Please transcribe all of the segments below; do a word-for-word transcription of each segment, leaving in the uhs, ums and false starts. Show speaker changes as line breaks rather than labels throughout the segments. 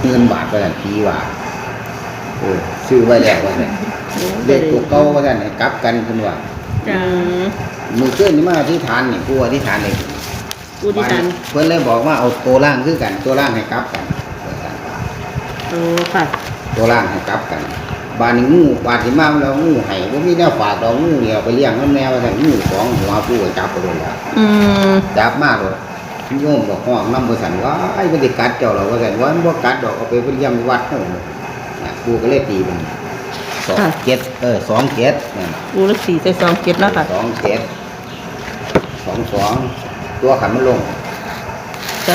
เงินบาทก็ได้ผีว่าเออซื้อไว้แล้วว่าซั่นเด็กตัวเก่าว่าซั่นให้กลับกันเพิ่นว่า
จ้า
มื้อคืนนี่มาที่ฐานนี่ผู้อธิษฐานนี่
ผู้ที่ทัน
เพิ่นเลยบอกว่าเอาตัวล่างคือกันตัวล่างให้กลับกันว่าซั่น
โอ้ค่ะ
ตัวล่างให้กลับกันบานนี้งูบานที่มาแล้วงูให้บ่มีแนวฝากดอกงูเนี่ยไปเลี้ยงนำแนวว่าซั่นงูสองหัวผู้ก็จับไปเลยล่ะ
อืม
จับมาโลดโยมบอกห้องนำบ่ซั่นว่าไอ้บ่ได้กัดเจ้าหรอกว่าซั่นว่ามันบ่กัดดอกเอาไปเลี้ยงวัดเฮาน่ะผู้ก็เลยตีมันสองเจ็ดเออสองเจ็ดนั่น
ปูฤาษีใส่ซองเก็บแล้วค่ะ
สองเจ็ดสองสองตัวขันมันลง
จ้า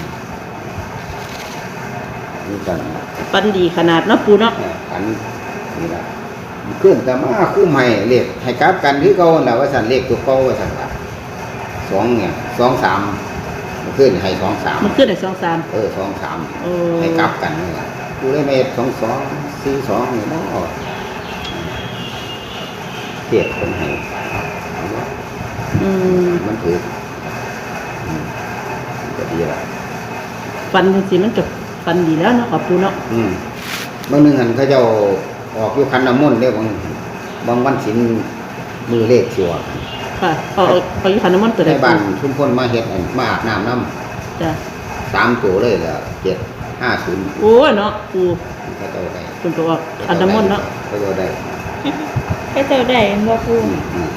นี่กัน
ปันดีขนาดเนาะปูเนาะ
ขันนี่ละเครื่องแต่มาคู่ใหม่เลขให้กราฟกันคือเก่าแล้วว่าสั่นเลขตัวเก่าว่าสั่นละสองเนี่ยสองสามมันขึ้นให้สองสาม
มันขึ้นในซองสาม
เออสองสาม
โอ้
ให้กราฟกันนี่ละกูได้เมตรสองสองสี่สองนี่เนาะเทียบคนให้
อืม
มันถือก็ดีละ
ฟันจริงๆมันกับฟันดีแล้วเนาะกับปูเนาะ
อืมบางหนึ่งหันเขาเจ้าออกอยู่คันน้ำมนต์เด้บางบางวันศิลมือเลขชัว
ค่ะเอาเอาอยู่ขันน้ำมันต์ตัวใด
ในบ้านชุมพลมาเฮ็ดอันมาอาบน้ำน้
จ้า
ำสามตัวเลยแล้วเจ็ดห้าศูนย์
โอ้ยเนาะปู
เขาเจ้าได้
คุณตัวออกขันน้ำมันต์เนาะ
เขาเจ้าได้
ให้เจ้าได้บ่ปู
อืมอืม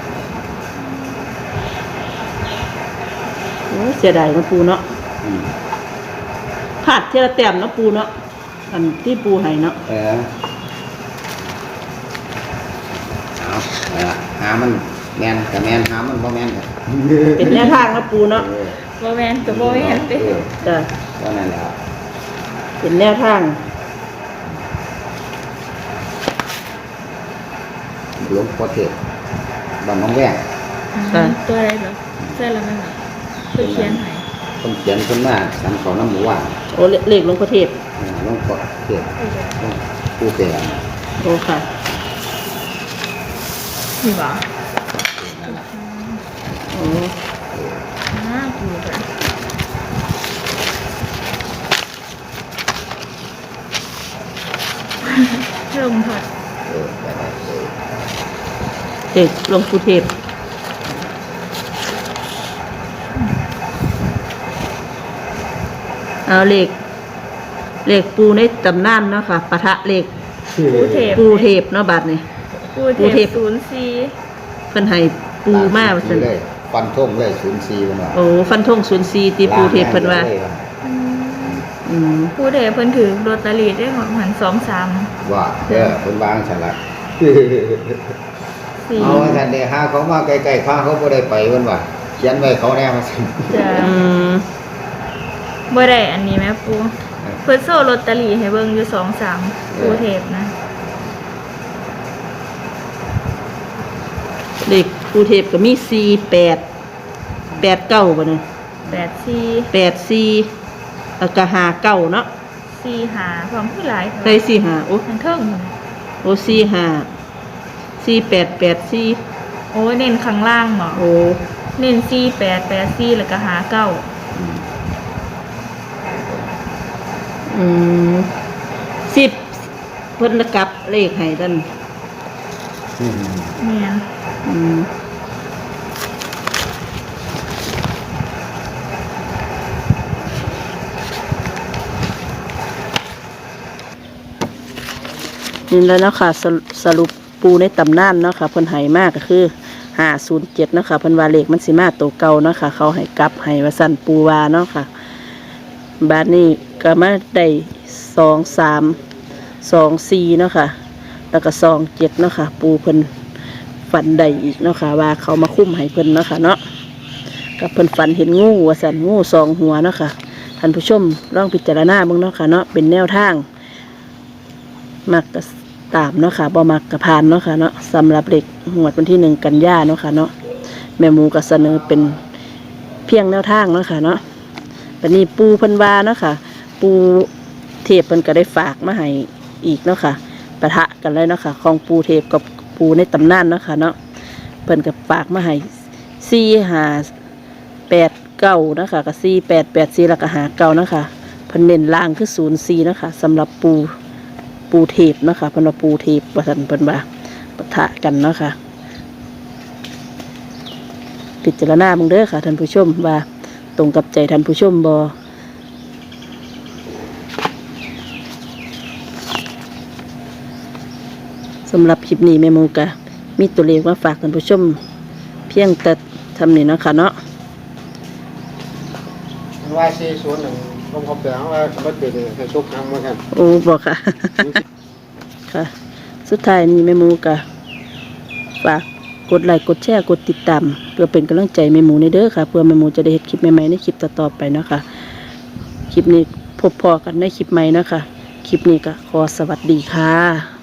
โอ้ยเสียดายเนาะปูเนาะ
อืม
พลาดเทละแต้มเนาะปูเนาะอันที่ปูให้เนาะ
เออเอาเอาละหามันแมนกับแมนหามันบ่แมนกับ
เป็นแนวทางเนาะปูเนาะ
เออ
บ่แม่นก็บ่แม่นเด้
เออ
จ้า
ก็นั่นแหละ
เป็นแนวทาง
หลวงพ่อเทศบ้านน้องแวง
ตัวอะไรเหรอใช่แล้วมั้งล่ะเพิ่นเขียนให้
คนเขียนคนมาสันเขาน้ำหมูหว่าน
โอ้เลขหลวงพ่อเทพ
เออหลวงพ่อเทศหลวงปู่เปรน
โอ้ค่ะ
นี่บ่
นั่นแหละ
โอ้
อ่าปูค่ะลมพัด
เออไปได้เออ
เด็กหลวงปู่เทพเอาเลขเลขปูในตำนานเนาะค่ะปะทะเลข
ปูเทพ
ปูเทพเนาะบัดนี่
ปู
ปูเท
เท
พ
พศูนย์สี่
เพิ่นให้ปูมาว่าซั่น
เลยฟันทงเลยศูนย์สี่มันว่า
โอ้ฟันธงศูนย์สี่ตีปูเทพเพิ่นว่า
อืม
อืม
ปูเทพเพิ่นถือลอตเตอรี่ได้เหมือนสองสาม
ว่าเออคนบางฉลาด
สี่
เอาว่าท่านเด้หาเขามาใกล้ๆข้าเขาบ่ได้ไปเพิ่นว่าเขียนไว้เขาแน่ว่าซั่น
จ้ะ
อืม
บ่ได้อันนี้แม่ปูเพิ่นโซ่ลอตเตอรี่ให้เบิ่งอยู่สองสามปูเทพนะ
เลขปูเทพก็มีสี่แปดแปดเก้าบ่เนี่ย
แปดสี่
แปดสี่แล้วก็ห้าเก้าเนาะ
สี่หาความผู้หลาย
ใส่สี่ห้าโอ้
ทั้งเทิงหมด
โอ้สี่ห้าสี่แปดแปดสี่
โอ้เน้นข้างล่างหมอ
โอ้
เน้นสี่แปดแปดสี่แล้วก็หาเก้า
อืมสิบเพิ่นกลับเลขให้ท่าน
อืม
เนียน
อืมนี่แล้วเนาะค่ะสรุสรุปปูในตำนานเนาะค่ะเพิ่นให้มากก็คือห้าศูนย์เจ็ดเนาะค่ะเพิ่นว่าเลขมันสิมาตัวเก่าเนาะค่ะเขาให้กลับให้ว่าสั่นปูวาเนาะค่ะบาดนี้ก็มาได้สองสามสองสี่เนาะค่ะแล้วก็สองเจ็ดเนาะค่ะปูเพิ่นฝันได้อีกเนาะค่ะว่าเขามาคุ้มให้เพิ่นเนาะค่ะเนาะกับเพิ่นฝันเห็นงูว่าสั่นงูสองหัวเนาะค่ะท่านผู้ชมลองพิจารณาเบิ่งเนาะค่ะเนาะเป็นแนวทางมักกะตามเนาะค่ะบ่มักกะพานเนาะค่ะเนาะสำหรับเด็กงวดวันที่หนึ่งกันยาเนาะค่ะเนาะแม่หมูก็เสนอเป็นเพียงแนวทางเนาะค่ะเนาะบัดนี้ปูเพิ่นว่าเนาะค่ะปูเทพเพิ่นก็ได้ฝากมาให้อีกเนาะค่ะปะทะกันเลยเนาะค่ะของปูเทพกับปูในตำนานเนาะค่ะเนาะเพิ่นก็ฝากมาให้สี่ห้าแปดเก้าเนาะค่ะกับสี่แปดแปดสี่แล้วก็หาเก้าเนาะค่ะเพิ่นเน้นล่างคือศูนย์สี่นะคะสำหรับปูปูเทพนะคะเพิ่นว่าปูเทพว่าซั่นเพิ่นว่าปะทะกันเนาะค่ะพิจารณาเบิ่งเด้อค่ะท่านผู้ชมว่าตรงกับใจท่านผู้ชมบ่สำหรับคลิปนี้แม่หมูกะมีตัวเลขมาฝากท่านผู้ชมเพียงแต่ทำนี่เนาะค่ะเนาะ
ว่าสี่ศูนย์หนึ่งผมเขาเปลี่ยนว่าเขาเปลี่ยนให้ชุกครั้งเหมือนกัน
โอ้บอกค่ะ ค่ะ สุดท้ายนี้แม่หมูกะฝากกดไลค์กดแชร์กดติดตามเพื่อเป็นกำลังใจแม่หมูในเด้อค่ะเพื่อแม่หมูจะได้เห็นคลิปใหม่ๆในคลิปต่อๆไปเนาะค่ะคลิปนี้พบพอกันในคลิปใหม่เนาะค่ะคลิปนี้ก็ขอสวัสดีค่ะ